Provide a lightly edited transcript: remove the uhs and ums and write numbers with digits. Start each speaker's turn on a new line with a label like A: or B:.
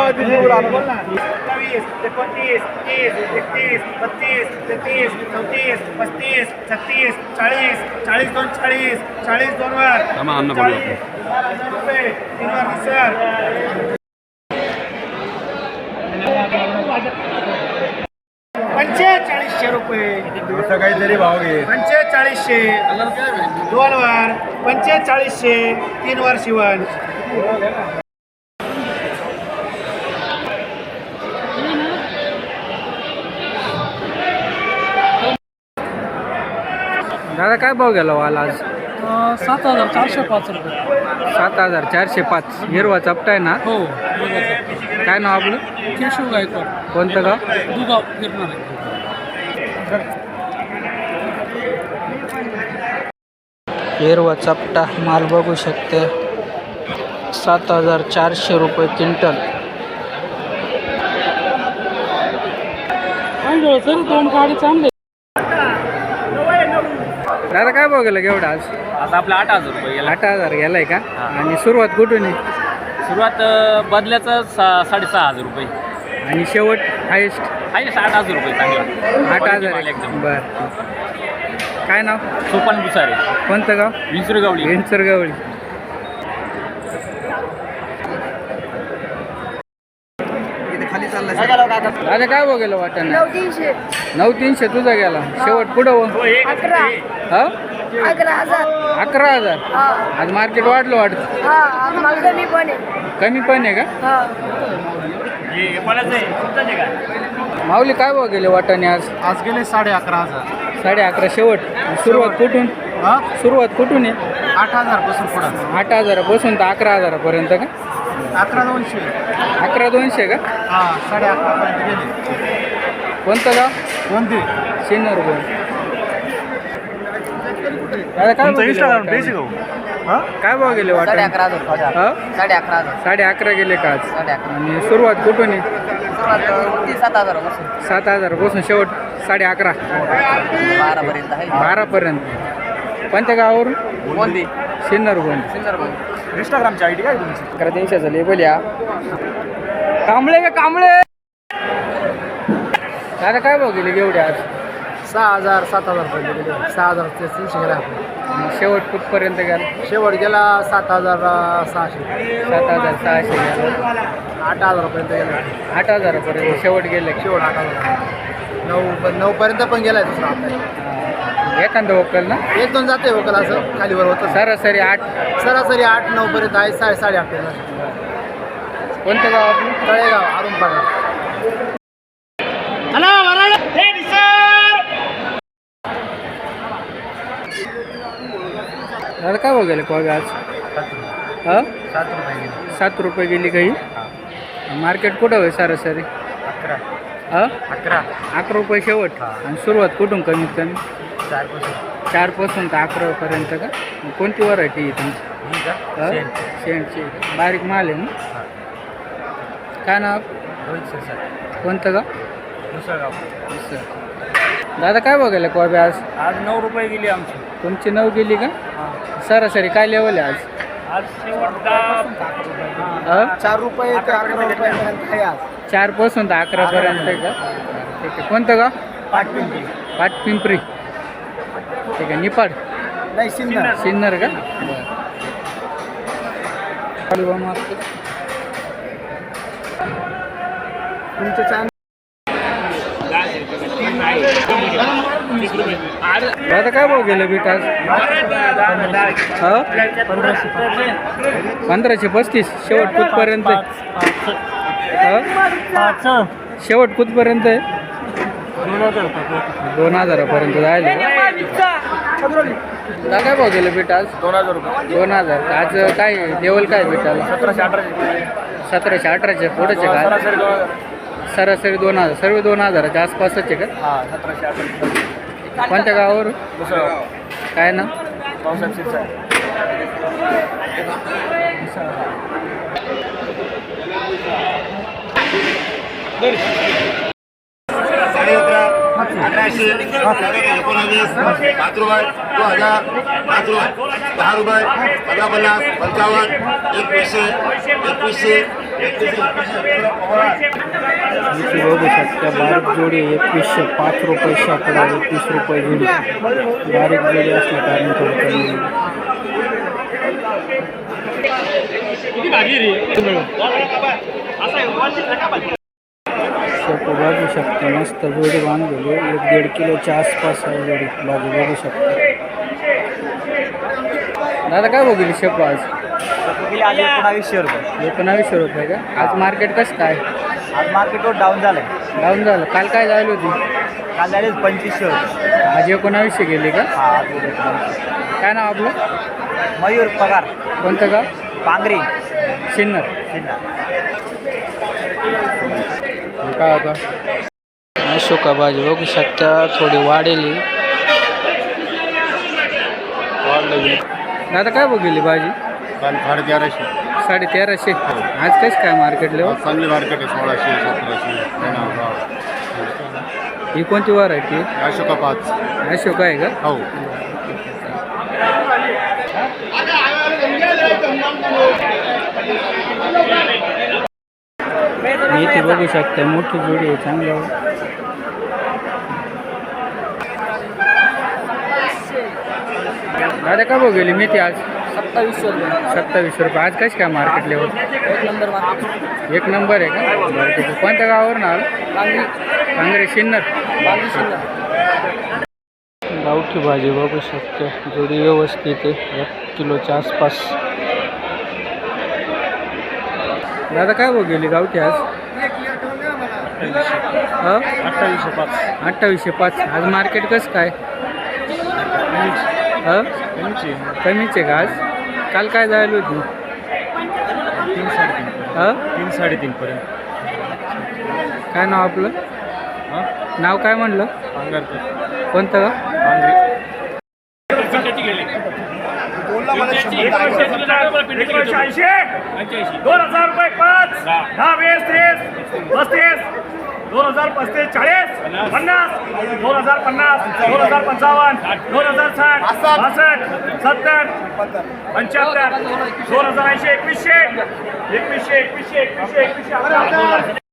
A: 29, 29, 30, 31, 32, 33, 34, 35, 36, 40, 40 दोन 40, 40 दोन वर 40,000 रुपये 3 वर सर 4500 रुपये
B: असं काहीतरी भाव घे
A: 4500 दोन वर 4500 3 वर शिवण
C: दादा काय भाव गेला वाल आज
D: 7,405 रुपये
C: 7,405 हिरवा चपटा आहे ना
D: हो
C: काय नाव आपलं
D: केशव गायकवाड
C: कोणतं गाव
D: दुगाव गिरणार आहे
C: हिरवा चपटा माल बघू शकते 7,400 रुपये क्विंटल
D: सर दोन गाडी चांगले
C: दादा काय भाव गेला केवढा आज
E: आज आपला 8,000 रुपये गेला
C: 8,000 गेलाय का आणि सुरुवात कुठून आहे
E: सुरुवात बदल्याचं 6,500 रुपये
C: आणि शेवट हायेस्ट
E: आहे 8,000 रुपये चांगला
C: 8,000
E: एकदम
C: बर काय नाव
E: सोपान बुसारे
C: कोणतं गाव
E: विंचुरगावली
C: विंचरगावळी दादा काय भाव गेला वाटाणा 9,300 तुझा गेला शेवट पुढं हो 11,000 आज मार्केट वाढलं वाटतं कमी पण आहे का माऊली काय भाव गेले वाटाणे आज
B: आज गेले 11,500
C: 11,500 शेवट सुरुवात कुठून सुरुवात कुठून आहे
B: 8,000 पासून पुढं
C: 8,000 पासून तर 11,000 पर्यंत का
B: 11,200
C: 11,200 का
B: हा 11,500 पर्यंत गेले
C: कोणतं गाव
B: कोणती
C: सिन्नर गोल दादा काय भाव गेले वाटाणे? काय भाव गेले वाटाणे 11,500 गेले का आज आणि सुरुवात कुठून आहे 7,000 पासून शेवट 11,500 12 कोणत्या गावावरून सिन्नर गोल
B: इंस्टाग्रामची आयडी काय तुमची
C: 11,300 लेबल या कांबळे का कांबळे दादा काय भाव गेले एवढे आज
B: 6,000 7,000 पर्यंत गेले 6,300 गेला
C: आणि शेवट कुठपर्यंत गेला
B: शेवट गेला 7,600
C: 7,600 गेला
B: 8,000 पर्यंत गेला
C: 8,000 पर्यंत शेवट गेले
B: शेवट 8,000 9 पर्यंत पण गेलाय दुसरा आपला
C: एखादं वकल ना
B: एक दोन जाते वकल असं खालीवर होतं
C: सरासरी 8
B: सरासरी 8-9 पर्यंत आहे 8:30 पर्यंत
C: कोणतं गाव आपलं
B: तळेगाव अरुण पाडा
C: दादा काय भाव गेले कोबी आज 7 रुपये गेली काही मार्केट कुठं होय सरासरी 11 रुपये शेवट आणि सुरुवात कुठून कमीत कमी 4 पासून तर 11 पर्यंत का कोणती व्हरायटी आहे तुमची शेंटची बारीक माल आहे ना काय नाव कोणतं गाव दादा काय बघायला कोबी आज
E: 9 रुपये गेली आमची
C: तुमची 9 गेली का सरासरी काय लेवल आहे
E: आज शेवट
B: 4 रुपये ते 11 रुपयापर्यंत आहे आज
C: 4 पासून तर 11 पर्यंत आहे का ठीक आहे कोणतं गाव पाटपिंपरी ठीक आहे निपाड
B: नाही
C: सिन्नर का
B: तुमचं चॅनल
C: दादा काय भाव गेले बीट आज 1535 शेवट कुठपर्यंत शेवट कुठपर्यंत आहे 2,000 पर्यंत जायला दादा काय भाव गेले बीट आज
B: 2,000 रुपये
C: 2,000 आज काय लेवल काय बीटाला 1700-1800 पुढेचे का सरासरी 2,000 सर्व 2,000च्या आसपासच आहे का
B: 1700-1800
C: कोणत्या गावावर काय ना
A: अकराशे 19 5 रुपये 2,000 5 रुपये 10 रुपये 50 55 55 2100
C: इथे बघू शकता बारीक जोडी 2105 रुपये शेकडा 21 रुपये जोडी. बारीक जोडी असल्या कारण थोडं कमी होईल. शेपू बघू शकता मस्त जोडी बांधलेली 1-1.5 किलोच्या आसपास आहे जोडी. बाजू बघू शकता. दादा काय बघितली शेपू आज?
B: 1900 रुपये.
C: 1900 रुपये का? आज मार्केट कसं काय?
B: आज मार्केटवर डाऊन झालंय.
C: डाऊन झालं. काल काय झाली होती?
B: काल झाले 2500 रुपये.
C: आज 1900 गेली का? काय नाव आपलं?
B: मयूर पगार,
C: कोणतं का?
B: पांगरी,
C: सिन्नर.
B: सिन्नर.
C: काय होता अशोका भाजी बघू शकता थोडी वाढेली. दादा काय बघितली भाजी?
B: काल 1350.
C: 1350. आज कसं काय मार्केट लेवल?
B: चांगली मार्केट आहे. 1600, 1700.
C: ही कोणती व्हरायटी?
B: अशोका 5.
C: अशोका आहे का?
B: हो.
C: इथे बघू शकता मोठी जोडी आहे चांगलं. दादा काय बघितली मेथी आज?
D: 2700 रुपये.
C: 2700 रुपये. आज कशी काय market level?
D: 1 number market.
C: 1 number आहे का? बरं ठीक आहे. कोणत्या गावावरून आलं? कांगरे सिन्नर. गावठी भाजी बघू शकते जोडी व्यवस्थित आहे 1 किलोच्या आसपास. दादा काय बघितली गावठी आज? 2805. आज मार्केट कसं काय? कमीच आहे का आज? काल काय जायला होती?
E: 3-3.5 पर्यंत.
C: काय नाव आपलं? नाव काय म्हणलं? कोणतं का?
A: 2000 रुपये 5, 10, 20, 30, 35, 2000, 35, 40, 50, 2050, 2055, 2060, 62, 70, 75, 2080, 2100, 2100, 2100, 2100.